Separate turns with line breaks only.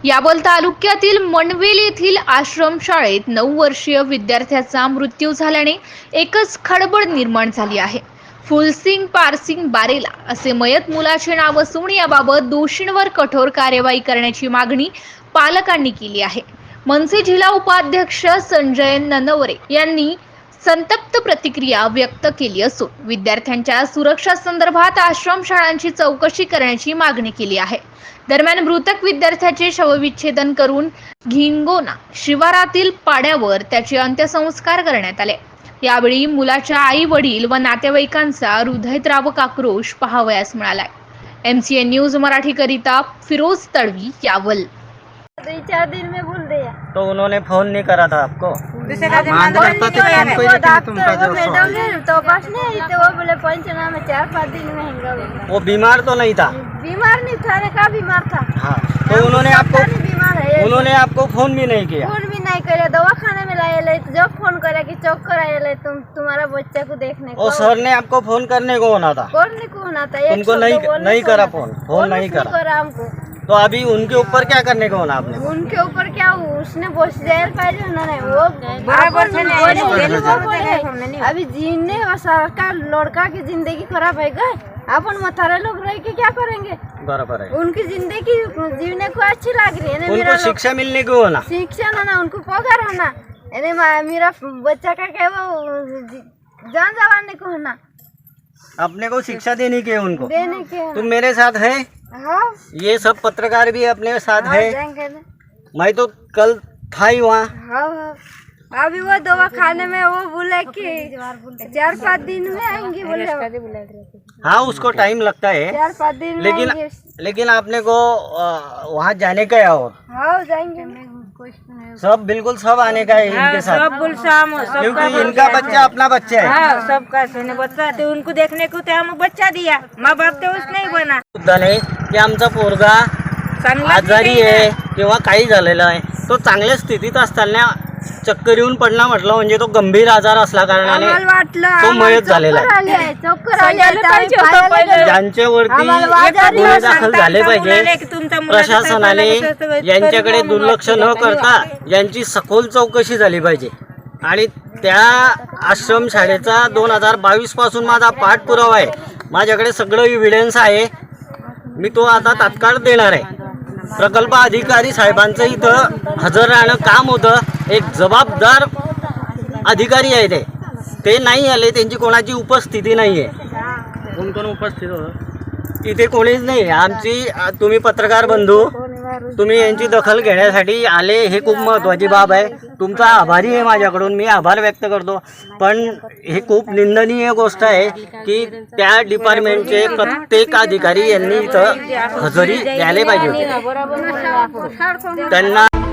यावल तालुक्यातील मनवेल येथील आश्रमशाळेत 9 वर्षीय विद्यार्थ्याचा मृत्यू झाल्याने एकच खळबळ निर्माण झाली आहे। फुलसिंग पारसिंग बारेला असे मयत मुलाचे नाव असून याबाबत दोषींवर कठोर कार्यवाही करण्याची मागणी पालकांनी केली आहे। मनसे जिल्हा उपाध्यक्ष संजय ननवरे यांनी संतप्त प्रतिक्रिया व्यक्त केली असून विद्यार्थ्यांच्या सुरक्षा संदर्भात आश्रमशाळांची चौकशी करण्याची मागणी केली आहे। दरम्यान मृतक विद्यार्थ्याचे शवविच्छेदन करून घिंगोना शिवारातील पाड्यावर त्याचे अंत्यसंस्कार करण्यात आले। यावेळी मुलाच्या आई वडील व नातेवाईकांचा हृदयद्रावक आक्रोश पाहावयास मिळालाय। MCN न्यूज मराठी करिता फिरोज तडवी, यावल।
2-4 दिन में बोल दिया
तो उन्होंने फोन नहीं करा था आपको?
तो पास नहीं थे, वो बोले पंचनामे 4-5 दिन में होगा।
वो बीमार तो नहीं था?
बीमार नहीं था, का बीमार था।
हाँ, तो
बीमार है।
उन्होंने आपको फोन भी नहीं किया?
फोन भी नहीं करे, दवा खाने में लाए जब फोन करे कि चौक आए तुम्हारा बच्चा को देखने को।
सर ने आपको फोन करने को होना था?
करने को होना था,
उनको नहीं करा फोन नहीं करा
हमको।
तो अभी उनके ऊपर क्या करने को होना आपने?
उनके ऊपर क्या, उसने बस जेल पाहिजे उन्होंने, वो अभी जीने सरकार लड़का की जिंदगी खराब है गए, अपन मथारे लोग रह के क्या करेंगे?
बराबर है।
उनकी जिंदगी जीने को अच्छी लग रही है,
उनको शिक्षा मिलने को होना,
शिक्षा ना उनको पगार होना, मेरा बच्चा का क्या वो जान जवानी को होना,
अपने को शिक्षा देने के उनको
देने के।
तुम मेरे साथ है?
हाँ,
ये सब पत्रकार भी अपने साथ है। मैं तो कल था ही वहाँ।
हाँ, अभी वो दवा खाने में वो बोले कि 4-5 दिन में आएंगे बोले।
हाँ, उसको टाइम लगता है
4-5 दिन में
लेकिन आपने को वहाँ जाने का है और
हाँ जाएंगे
सब बिल्कुल सब आने का है इनके साथ,
सब गुलशाम
क्योंकि इनका बच्चा अपना बच्चा है।
हाँ, सबका सोने बच्चा ते उनको देखने को ते हम बच्चा दिया, माँ बाप ते उस नहीं बना।
मुद्दा नाही की आमचा पोरगा आजारी आहे किंवा काही झालेलं आहे, तो चांगल्या स्थितीत असताना चक्कर येऊन पडला म्हटलं म्हणजे तो गंभीर आजार असल्या कारणाने तो मयत झालेला आहे। ज्यांच्यावरती गुन्हे दाखल झाले पाहिजे, प्रशासनाने यांच्याकडे दुर्लक्ष न करता यांची सखोल चौकशी झाली पाहिजे। आणि त्या आश्रमशाळेचा 2022 पासून माझा पाठपुरावा आहे, माझ्याकडे सगळं एव्हिडन्स आहे, मी तो आता तात्काळ देणार आहे। प्रकल्प अधिकारी साहेबांचं इथं हजर राहणं काम होतं, एक जबाबदार अधिकारी आहे ते नाही आले, त्यांची कोणाची उपस्थिती नाही आहे। कोण उपस्थित होतं इथे? कोणीच नाही। आमची तुम्ही पत्रकार बंधू तुम्ही यांची दखल घेण्यासाठी आले, हे खूप महत्त्वाची बाब आहे। तुमचा आभारी आहे, माझ्याकडून मी आभार व्यक्त करतो, पण हे खूप निंदनीय गोष्ट आहे की त्या डिपार्टमेंटचे प्रत्येक अधिकारी यांनी इथं हजेरी द्यायला पाहिजे होती। त्यांना